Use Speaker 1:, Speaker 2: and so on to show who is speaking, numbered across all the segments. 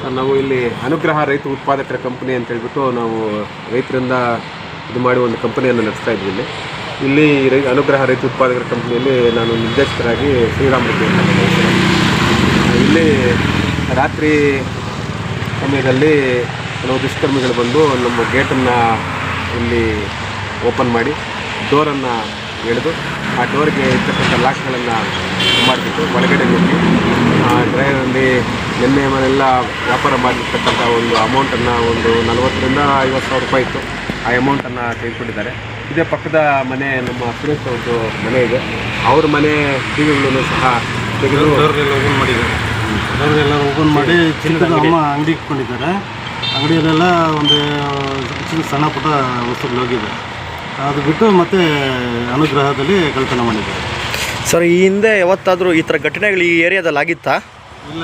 Speaker 1: Sir ನಾವು ಇಲ್ಲಿ ಅನುಗ್ರಹ ರೈತ ಉತ್ಪಾದಕರ ಕಂಪನಿ ಅಂತ ಹೇಳ್ಬಿಟ್ಟು ನಾವು ರೈತರಿಂದ ಇದು ಮಾಡಿ ಒಂದು ಕಂಪನಿಯನ್ನು ನಡೆಸ್ತಾ ಇದ್ವಿ. ಇಲ್ಲಿ ಅನುಗ್ರಹ ರೈತ ಉತ್ಪಾದಕರ ಕಂಪನಿಯಲ್ಲಿ ನಾನು ನಿರ್ದೇಶಕರಾಗಿ ಶ್ರೀರಾಮ್ ರೆಡ್ಡಿ ಅಂತ. ಇಲ್ಲಿ ರಾತ್ರಿ ಸಮಯದಲ್ಲಿ ಕೆಲವು ದುಷ್ಕರ್ಮಿಗಳು ಬಂದು ನಮ್ಮ ಗೇಟನ್ನು ಇಲ್ಲಿ ಓಪನ್ ಮಾಡಿ ಡೋರನ್ನು ಎಳೆದು ಆ ಡೋರ್ಗೆ ಇರ್ತಕ್ಕಂಥ ಲಾಕ್ಗಳನ್ನು ಮಾಡಿಬಿಟ್ಟು ಒಳಗಡೆ ನುಗ್ಗಿ ಡ್ರೈವರಲ್ಲಿ ನಿನ್ನೆ ಮನೆಲ್ಲ ವ್ಯಾಪಾರ ಮಾಡಿರ್ತಕ್ಕಂಥ ಒಂದು ಅಮೌಂಟನ್ನು ಒಂದು 40,000 to 50,000 ರೂಪಾಯಿ ಇತ್ತು. ಆ ಅಮೌಂಟನ್ನು ತೆಗೆದುಕೊಂಡಿದ್ದಾರೆ. ಇದೇ ಪಕ್ಕದ ಮನೆ ನಮ್ಮ ಸುರೇಶ್ ಅವ್ರದ್ದು ಮನೆ ಇದೆ. ಅವ್ರ ಮನೆ ಟಿವಿಗಳನ್ನು ಸಹ ತೆಗೆದು
Speaker 2: ಡೋರೆಲ್ಲ ಓಪನ್ ಮಾಡಿ ಚಿನ್ನದ ಅಮ್ಮ ಅಂಗಡಿ ಇಟ್ಕೊಂಡಿದ್ದಾರೆ. ಅಂಗಡಿಯಲ್ಲೆಲ್ಲ ಒಂದು ಸಣ್ಣ ಪುಟ್ಟ ವಸ್ತುಗಳು ಹೋಗಿದೆ. ಅದು ಬಿಟ್ಟು ಮತ್ತೆ ಅನುಗ್ರಹದಲ್ಲಿ ಕಳ್ತನ ಮಾಡಿದ್ದಾರೆ.
Speaker 3: ಸರ್, ಈ ಹಿಂದೆ ಯಾವತ್ತಾದರೂ ಈ ಥರ ಘಟನೆಗಳು ಈ ಏರಿಯಾದಲ್ಲಿ ಆಗಿತ್ತಾ?
Speaker 2: ಇಲ್ಲ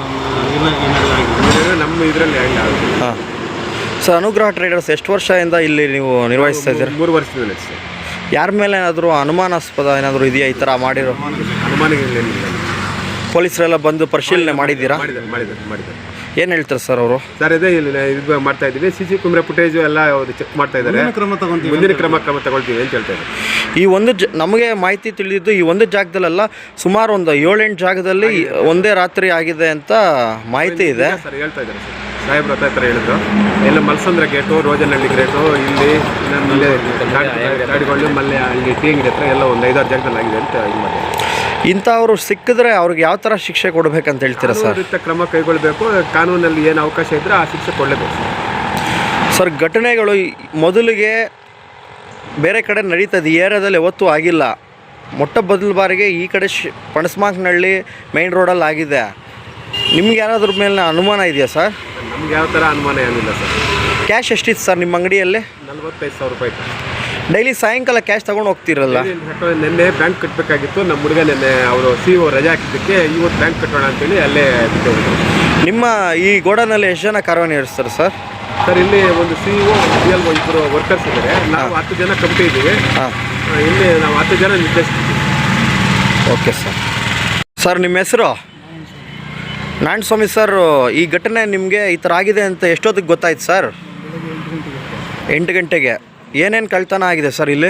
Speaker 2: ಇಲ್ಲ,
Speaker 1: ನಮ್ಮ ಇದರಲ್ಲಿ
Speaker 3: ಹಾಂ. ಸರ್, ಅನುಗ್ರಹ ಟ್ರೇಡರ್ಸ್ ಎಷ್ಟು ವರ್ಷದಿಂದ ಇಲ್ಲಿ ನೀವು ನಿರ್ವಹಿಸ್ತಾ ಇದ್ದೀರಾ?
Speaker 1: 3 ವರ್ಷದಿಂದ.
Speaker 3: ಯಾರ ಮೇಲೆ ಏನಾದರೂ ಅನುಮಾನಾಸ್ಪದ ಏನಾದರೂ ಇದೆಯಾ ಈ ಥರ ಮಾಡಿರೋ?
Speaker 1: ಅನುಮಾನಗಳೇನಿಲ್ಲ.
Speaker 3: ಪೊಲೀಸರೆಲ್ಲ ಬಂದು ಪರಿಶೀಲನೆ ಮಾಡಿದ್ದೀರಾ?
Speaker 1: ಮಾಡಿದ್ದಾರೆ.
Speaker 3: ಏನು ಹೇಳ್ತಾರೆ ಸರ್ ಅವರು?
Speaker 1: ಸರ್, ಇದೇ ಇಲ್ಲಿ ಇದು ಮಾಡ್ತಾ ಇದ್ದೀವಿ. CC ಕ್ಯಾಮೆರಾ ಫುಟೇಜು ಎಲ್ಲ ಚೆಕ್ ಮಾಡ್ತಾ ಇದ್ದಾರೆ. ಮುಂದಿನ ಕ್ರಮ ತಗೊಳ್ತೀವಿ ಅಂತ ಹೇಳ್ತಾ ಇದ್ದಾರೆ.
Speaker 3: ಈ ಒಂದು ನಮಗೆ ಮಾಹಿತಿ ತಿಳಿದಿದ್ದು ಈ ಒಂದು ಜಾಗದಲ್ಲೆಲ್ಲ ಸುಮಾರು ಒಂದು 7-8 ಜಾಗದಲ್ಲಿ ಒಂದೇ ರಾತ್ರಿ ಆಗಿದೆ ಅಂತ ಮಾಹಿತಿ ಇದೆ.
Speaker 1: ಸರ್, ಹೇಳ್ತಾ ಇದ್ದಾರೆ ಸರ್, ಸಾಹೇಬ್ರ ಹತ್ರ ಹೇಳಿದ್ರು. ಎಲ್ಲ ಮಲ್ಸಂದ್ರ ಗೇಟು, ರೋಜನಹಳ್ಳಿ ಗೇಟು, ಇಲ್ಲಿ ಮಲ್ಲೆ ಗಾಡಿಗಳು, ಮಲ್ಲೆ ಅಲ್ಲಿ ಟಿ ಅಂಗಡಿ ಹತ್ರ ಎಲ್ಲ ಒಂದು 5-6 ಜಾಗದಲ್ಲಿ ಆಗಿದೆ ಅಂತ ಇದು ಮಾಡಿದ್ದಾರೆ.
Speaker 3: ಇಂಥವ್ರು ಸಿಕ್ಕಿದ್ರೆ ಅವ್ರಿಗೆ ಯಾವ ಥರ ಶಿಕ್ಷೆ ಕೊಡಬೇಕಂತ ಹೇಳ್ತೀರಾ ಸರ್?
Speaker 1: ಕ್ರಮ ಕೈಗೊಳ್ಳಬೇಕು. ಕಾನೂನಲ್ಲಿ ಏನು ಅವಕಾಶ ಇದ್ದರೆ ಆ ಶಿಕ್ಷೆ ಕೊಡಲೇಬೇಕು
Speaker 3: ಸರ್. ಘಟನೆಗಳು ಮೊದಲಿಗೆ ಬೇರೆ ಕಡೆ ನಡೀತದೆ, ಈ ಏರಿಯಾದಲ್ಲಿ ಯಾವತ್ತೂ ಆಗಿಲ್ಲ. ಮೊಟ್ಟ ಬಾರಿಗೆ ಈ ಕಡೆ ಪಣಸ್ಮಾಕ್ನಹಳ್ಳಿ ಮೇನ್ ರೋಡಲ್ಲಿ ಆಗಿದೆ. ನಿಮ್ಗೆ ಯಾರಾದ್ರ ಮೇಲೆ ಅನುಮಾನ ಇದೆಯಾ ಸರ್?
Speaker 1: ನಮ್ಗೆ ಯಾವ ಥರ ಅನುಮಾನ ಏನಿಲ್ಲ ಸರ್.
Speaker 3: ಕ್ಯಾಶ್ ಎಷ್ಟಿತ್ತು ಸರ್ ನಿಮ್ಮ ಅಂಗಡಿಯಲ್ಲಿ?
Speaker 1: 45,000 ರೂಪಾಯಿ.
Speaker 3: ಡೈಲಿ ಸಾಯಂಕಾಲ ಕ್ಯಾಶ್ ತೊಗೊಂಡು ಹೋಗ್ತಿರಲ್ಲ?
Speaker 1: ನಿನ್ನೆ ಬ್ಯಾಂಕ್ ಕಟ್ಟಬೇಕಾಗಿತ್ತು. ನಮ್ಮ ಹುಡುಗ ನಿನ್ನೆ ಅವರು CO ರಜೆ ಹಾಕಿದ್ದಕ್ಕೆ ಇವತ್ತು ಬ್ಯಾಂಕ್ ಕಟ್ಟೋಣ ಅಂತೇಳಿ ಅಲ್ಲೇ ಬಿಟ್ಟು.
Speaker 3: ನಿಮ್ಮ ಈ ಗೋಡನಲ್ಲಿ ಎಷ್ಟು ಜನ ಕಾರ್ಯನಿರ್ವಹಿಸ್ತಾರೆ ಸರ್?
Speaker 1: ಸರ್, ಇಲ್ಲಿ ಒಂದು CO, PLO ಇಬ್ಬರು ವರ್ಕರ್ಸ್ ಇದ್ದಾರೆ. ನಾವು 10 ಜನ ಕಂಪ್ನಿ ಇದ್ದೀವಿ. ಇಲ್ಲಿ ನಾವು 10 ಜನ ನಿರ್ದೇಶಿಸ್ತೀವಿ.
Speaker 3: Okay sir. ಸರ್, ನಿಮ್ಮ ಹೆಸರು? ನಾರಾಯಣಸ್ವಾಮಿ ಸರ್. ಈ ಘಟನೆ ನಿಮಗೆ ಈ ಥರ ಆಗಿದೆ ಅಂತ ಎಷ್ಟೊತ್ತಿಗೆ ಗೊತ್ತಾಯ್ತು ಸರ್? 8 ಗಂಟೆಗೆ. ಏನೇನು ಕಳ್ತನ ಆಗಿದೆ ಸರ್ ಇಲ್ಲಿ?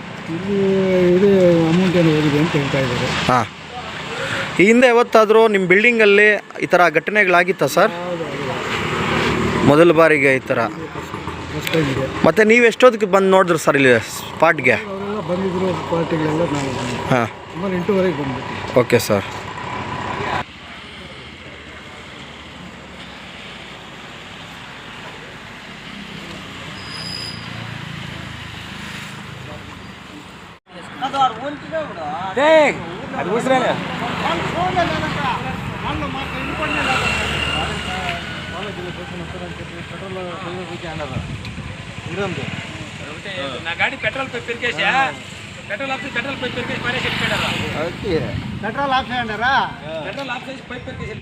Speaker 2: ಅಮೌಂಟ್ ಏನು ಹೋಗಿದೆ ಅಂತ ಹೇಳ್ತಾ ಇದ್ದಾರೆ.
Speaker 3: ಹಾಂ. ಈ ಹಿಂದೆ ಯಾವತ್ತಾದರೂ ನಿಮ್ಮ ಬಿಲ್ಡಿಂಗಲ್ಲಿ ಈ ಥರ ಘಟನೆಗಳಾಗಿತ್ತಾ ಸರ್? ಮೊದಲ ಬಾರಿಗೆ ಈ ಥರ. ಮತ್ತು ನೀವು ಎಷ್ಟೊತ್ತಿಗೆ ಬಂದು ನೋಡಿದ್ರು ಸರ್ ಇಲ್ಲಿ ಸ್ಪಾಟ್ಗೆ?
Speaker 2: ಬಂದಿದ್ರು ಪಾರ್ಟಿಗಳೆಲ್ಲ.
Speaker 3: ಹಾಂ,
Speaker 2: ಸುಮಾರು 8:30ಗೆ ಬಂದ್ಬಿಟ್ಟು.
Speaker 3: Okay sir.
Speaker 4: गाड़ी पेट्रोल पे फिर कैसे पेट्रोल आपसे पेट्रोल पे फिर कैसे मारे पेट्रोल आपसे पेट्रोल आपसे पाइप पे कैसे